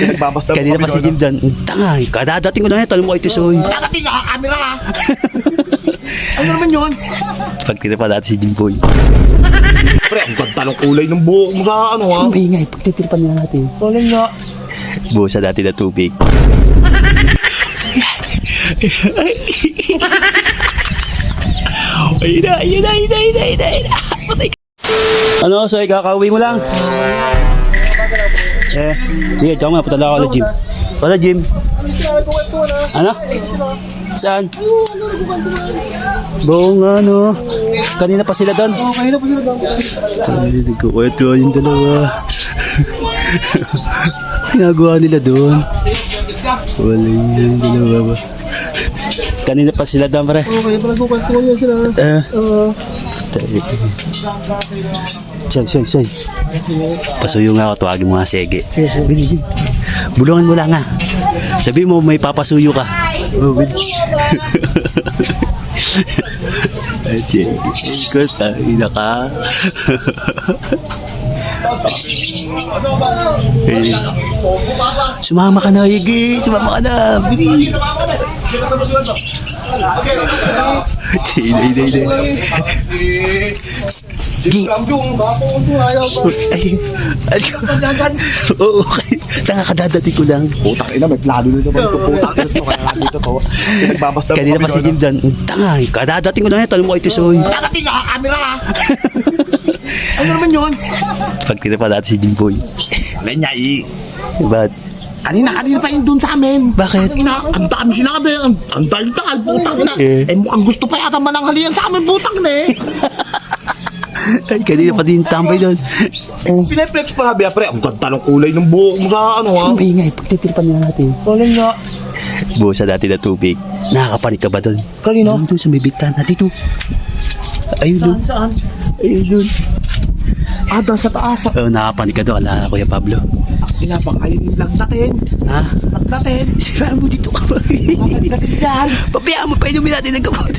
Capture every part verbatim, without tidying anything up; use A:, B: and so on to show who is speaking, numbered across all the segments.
A: Nagbabasta
B: Kanina pa si Jim dyan. Tanga, kadadating ko na yan. Talong mo kay Tisoy.
A: Dadating ka, camera ha. Ano naman yun?
B: Pagtira pa dati si Jim Boy.
A: Pre, ang ganda ng kulay ng buhok mo sa ano ha.
B: Ang ingay, pagtitiripan niya natin.
A: Wala nga.
B: Buo sa dati na tubig. Ayun na, ayun na, ayun na, ayun na, ayun na, ayun na. Patay ka. Ano, Soy, kakauwi mo lang? Eh, sige, tsaka nga, patala ako na Jim. Wala, Jim. Ano? Saan? Buong ano. Kanina pa sila doon.
A: Oo, kanina pa sila doon.
B: Nagkukwento yung dalawa. Ginagawa nila doon. Wala yung dalawa ba? Kanina pa sila doon, pare.
A: Oo, kaya pala kukwento yun sila.
B: Eh.
A: Oo.
B: Say, say, say. Pasuyo nga ako, tuwagin mo nga sige. Bili, bili. Bulungan mo lang nga. Sabi mo may papasuyo ka. Oh, bili. At sige, ko tayo na ka. Eh, sumama ka na, Igi. Sumama ka na. Bili. Hindi, hindi, hindi. Gi. Ay, ay, oo, okay. Tanga kadadating ko lang.
A: Putang ina, may plano na naman ito. Putang ina ito, kaya nandito to. Nagbabasta
B: Kanina pa si Jim dyan. Tanga, kadadating ko lang yan. Talong mo kay Tisoy.
A: Dadating ka, camera ha. Ano naman yun?
B: Pagtira pa dati si Jim Boy.
A: Alay niya eh.
B: Ba't?
A: Kanina, kanina pa yun doon sa amin.
B: Bakit?
A: Ang ina, ang dami sinabi. Ang, ang daldal, putang ina.
B: Eh.
A: Eh, mukhang gusto pa yata mananghalian sa amin, putang na eh.
B: Ay, kanina pa din tambay doon. Eh,
A: Pineflex pa sabi, pre, ang ganda ng kulay ng buhok mo sa ano ha.
B: ang ingay, pagtitiripan niya natin.
A: Wala nga.
B: Buo sa dati na tubig. Nakakapanik ka ba doon?
A: Kanino?
B: Doon sa may bigtana dito. Ayun doon.
A: Saan, saan?
B: Ayun doon.
A: Ah, doon sa taas.
B: Oh, nakapanik ka doon. Ala, Kuya Pablo.
A: Pinapakainin lang natin.
B: Ha?
A: Lang natin.
B: Sira mo dito ka.
A: Natin yan.
B: Papayaan mo pa inumin natin ng gamot.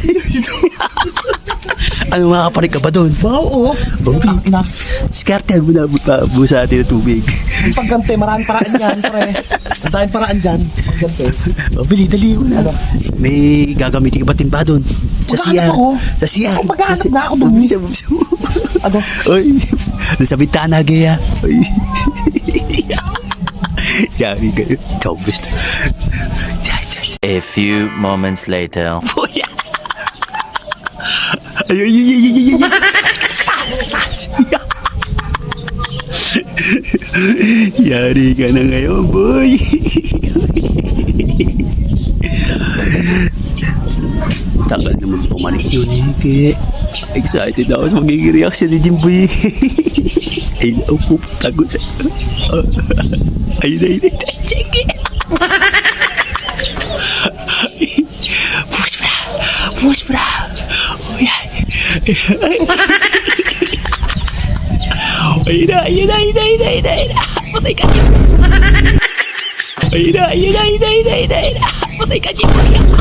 B: Ano, makakapanik ka ba doon?
A: Oo.
B: Bobby,
A: Na,
B: diskartehan mo na buta, buo sa atin ng tubig.
A: yung paggante, maraming paraan yan, pre. Ang daming paraan dyan. Paggante.
B: Oh, bili, dali mo na.
A: Ano?
B: May gagamitin ka ba timba doon? Sa
A: Maghahanap
B: siya.
A: ako.
B: Sa siya.
A: Oh, maghahanap
B: Sa-
A: na ako doon.
B: Bisa, bisa mo.
A: Ano?
B: Oy, doon sa bintana, gaya. Oy. Sabi ka, tobis.
C: A few moments later.
B: Boya. Ay, ay, ay, ay, ay, ay. Yari ka na ngayon, boy. Tagal naman pumanik yun, Ike. Excited ako sa magiging reaction ni Jimboy. Ay, naupo, tagot. Ay, ay, ay, sige. Push bra, push bra. Oh, yan. Ayun na, ayun na, ayun na, ayun na, ayun na, ayun na. Patay ka, Jim. Ayun na, ayun na, ayun na, ayun na, ayun na, ayun na. Patay ka, Jim.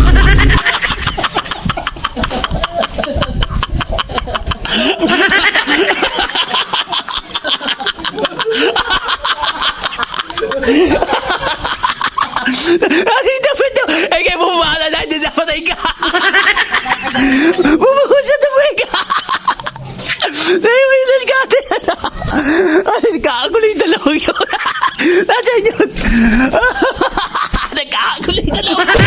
B: Ay, dapat daw. Ay, kayo bumala na. Hindi dapat ay ka. Bumukod sa tubig ka. Ay, may nalgate. Ay, nagkakagulo yung dalawang yun. Nasaan yun? Nagkakagulo yung dalawang yun.